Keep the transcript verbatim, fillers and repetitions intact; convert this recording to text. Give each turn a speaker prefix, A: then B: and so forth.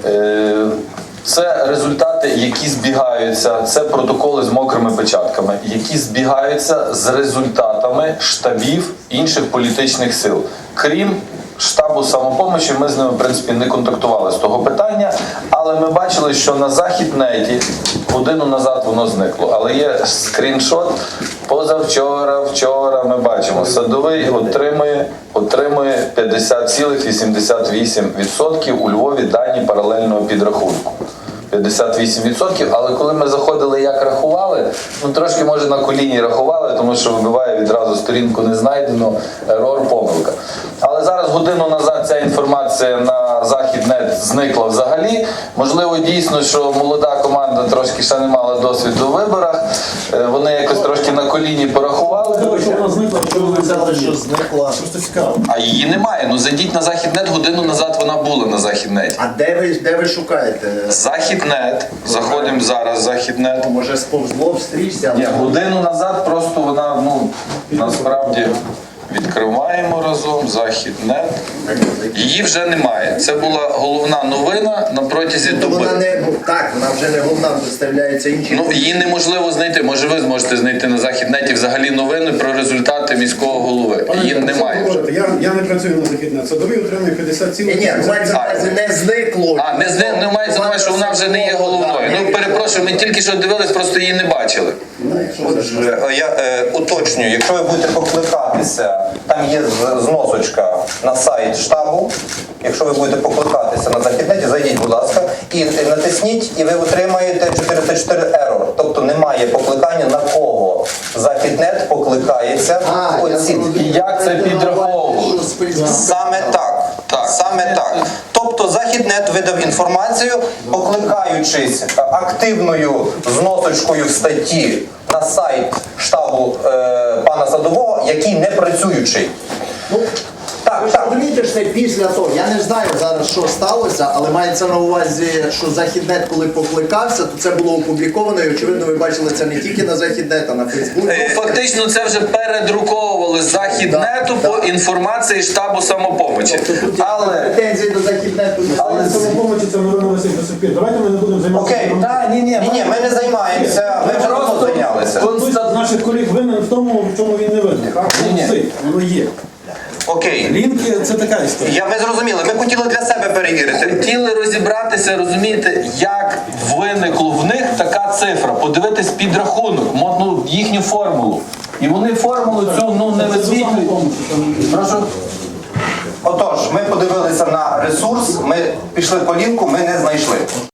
A: Це результати, які збігаються, це протоколи з мокрими печатками, які збігаються з результатами штабів інших політичних сил. Крім штабу самопомочі, ми з ними, в принципі, не контактували з того питання, але ми бачили, що на Західнеті годину назад воно зникло. Але є скріншот позавчора, вчора, ми бачимо, Садовий отримує, отримує п'ятдесят цілих вісімдесят вісім відсотків у Львові дані паралельного підрахунку. п'ятдесят вісім відсотків, але коли ми заходили, як рахували, ну трошки, може, на коліні рахували, тому що вибиває відразу сторінку не знайдено, ерор, помилка. Але зараз годину назад ця інформація на Західнет зникла взагалі. Можливо, дійсно, що молода команда трошки ще не мала досвіду у виборах, вони якось трошки на коліні порахували.
B: Що вона зникла, що ви взяли, що зникла? Просто цікаво.
A: А її немає. Ну зайдіть на Західнет, годину назад вона була на Західнеті.
C: А де ви, де ви шукаєте?
A: Західнет. Заходимо зараз в Західнет.
C: Може сповзло в стрічці?
A: Ні, годину назад просто вона, ну, насправді, відкриваємо разом Західнет. Її вже немає. Це була головна новина на протязі
C: Тобто
A: доби.
C: вона не, ну, так, вона вже не головна, виставляється інші.
A: Ну, її неможливо знайти. Може, ви зможете знайти на Західнеті взагалі новини про результати міського голови. Її немає вже.
D: Я, я не працюю на Західнет. Садовий отримує п'ятдесят цілих.
C: Ні, ні, мається на увазі не зникло.
A: А, не, зни, не мається на увазі, що вона вже не є головною. Ну, перепрошую, ми тільки що дивились, просто її не бачили.
E: Отже, я е, уточнюю, якщо ви будете покликатися, там є з- зносочка на сайт штабу. Якщо ви будете покликатися на Західнеті, зайдіть, будь ласка, і натисніть, і ви отримаєте чотириста чотири error. Тобто немає покликання на кого. Західнет покликається.
C: А, я
E: оці.
A: І як це підраховували?
E: Саме так.
A: Так.
E: Саме так. Тобто Західнет видав інформацію, покликаючись активною зносочкою в статті на сайт штабу е, пана Садового, який не працюючий.
C: Ну,
E: Так,
C: ви ж
E: так.
C: розумієте, що це після того. Я не знаю зараз, що сталося, але мається на увазі, що Західнет, коли покликався, то це було опубліковано, і очевидно, ви бачили це не тільки на Західнет, а на Фейсбуці.
A: Ну, фактично, це вже передруковували з Західнету
C: Да,
A: по
C: да.
A: інформації штабу самопомочі.
C: Тобто тут
A: Але...
C: претензії до Західнету.
D: Але самопомочі це новина висить до сих пір. Давайте ми не будемо займатися.
E: Окей.
A: Та, ні, ні,
E: Ні, ні, ми не займаємося, ми вже давно зайнялися.
D: Хтось з наших колег винен в тому, в чому він не винен.
A: Ні-ні.
D: Воно висить, воно є.
E: Окей.
D: Лінки – це така історія.
E: Я, ви зрозуміли, ми хотіли для себе перевірити.
A: Хотіли розібратися, розумієте, як виникло в них така цифра, подивитись підрахунок, мо- ну, їхню формулу. І вони формулу цю ну, не висвітлюють. Прошу?
E: Отож, ми подивилися на ресурс, ми пішли по лінку, ми не знайшли.